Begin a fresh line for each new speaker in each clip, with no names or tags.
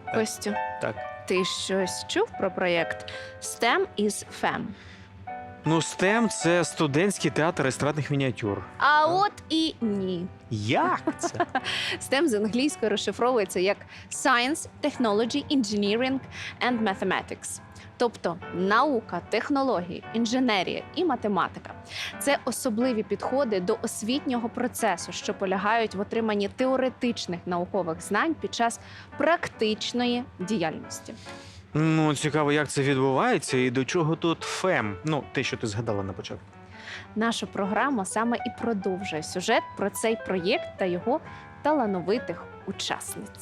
Костю,
Так.
ти щось чув про проєкт STEM is FEM?
Ну, STEM – це студентський театр естрадних мініатюр.
А от і ні.
Як це?
STEM з англійської розшифровується як Science, Technology, Engineering and Mathematics. Тобто наука, технології, інженерія і математика. Це особливі підходи до освітнього процесу, що полягають в отриманні теоретичних наукових знань під час практичної діяльності.
Ну, цікаво, як це відбувається і до чого тут ФЕМ? Ну, те, що ти згадала на початку.
Наша програма саме і продовжує сюжет про цей проєкт та його талановитих учасниць.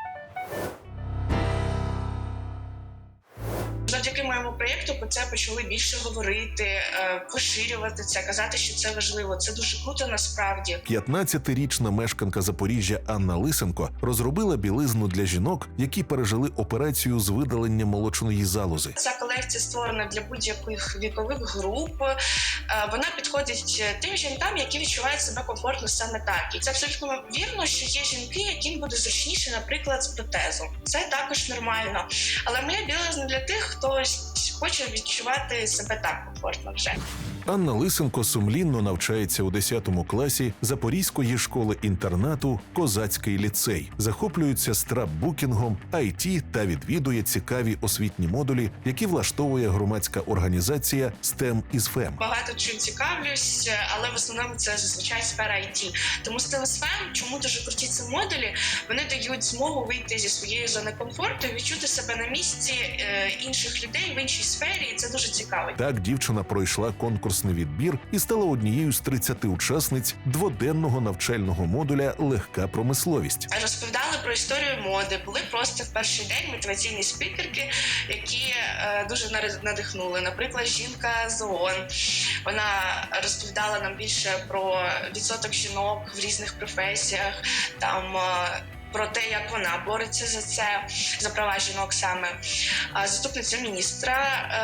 Завдяки моєму проєкту про це почали більше говорити, поширювати це, казати, що це важливо. Це дуже круто насправді.
15-річна мешканка Запоріжжя Анна Лисенко розробила білизну для жінок, які пережили операцію з видалення молочної залози.
Ця колекція створена для будь-яких вікових груп. Вона підходить тим жінкам, які відчувають себе комфортно саме так. І це абсолютно вірно, що є жінки, яким буде зручніше, наприклад, з протезом. Це також нормально. Але моя білизна для тих, хто хоче відчувати себе так комфортно вже.
Анна Лисенко сумлінно навчається у 10 класі Запорізької школи-інтернату «Козацький ліцей». Захоплюється страпбукінгом, IT та відвідує цікаві освітні модулі, які влаштовує громадська організація STEM is FEM.
Багато чим цікавлюсь, але в основному це зазвичай сфера IT. Тому STEM is FEM, чому дуже круті ці модулі, вони дають змогу вийти зі своєї зони комфорту і відчути себе на місці інших людей в іншій сфері, і це дуже цікаво.
Так дівчина пройшла конкурсний відбір і стала однією з 30 учасниць дводенного навчального модуля «Легка промисловість».
Розповідали про історію моди, були просто в перший день мотиваційні спікерки, які дуже надихнули. Наприклад, жінка з ООН. Вона розповідала нам більше про відсоток жінок в різних професіях, там про те, як вона бореться за це, за права жінок саме. Заступниця міністра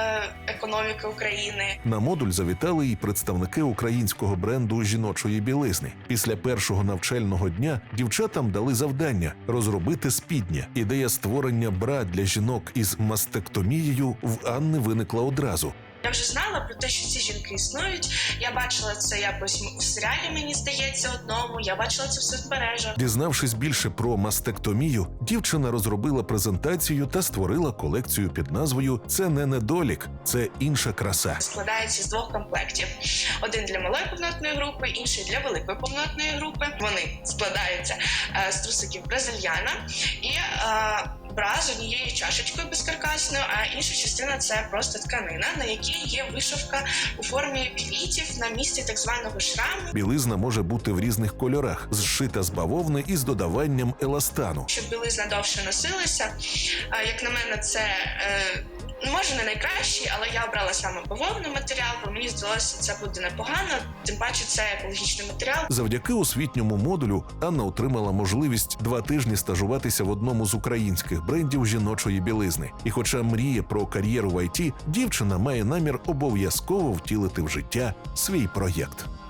економіки України.
На модуль завітали і представники українського бренду жіночої білизни. Після першого навчального дня дівчатам дали завдання – розробити спідня. Ідея створення бра для жінок із мастектомією в Анни виникла одразу.
Я вже знала про те, що ці жінки існують. Я бачила це якось в серіалі, мені здається, одному. Я бачила це в соцмережах.
Дізнавшись більше про мастектомію, дівчина розробила презентацію та створила колекцію під назвою «Це не недолік, це інша краса».
Складається з 2 комплектів. Один для малої повнотної групи, інший для великої повнотної групи. Вони складаються з трусиків бразильяна і бра з однією чашечкою безкаркасною, а інша частина – це просто тканина, на якій є вишивка у формі квітів на місці так званого шраму.
Білизна може бути в різних кольорах, зшита з бавовни із додаванням еластану.
Щоб білизна довше носилася, як на мене, це може не найкращий, але я обрала саме бавовний матеріал, бо мені здалося, це буде непогано, тим паче це екологічний матеріал.
Завдяки освітньому модулю Анна отримала можливість 2 тижні стажуватися в одному з українських брендів жіночої білизни. І хоча мріє про кар'єру в ІТ, дівчина має намір обов'язково втілити в життя свій проєкт.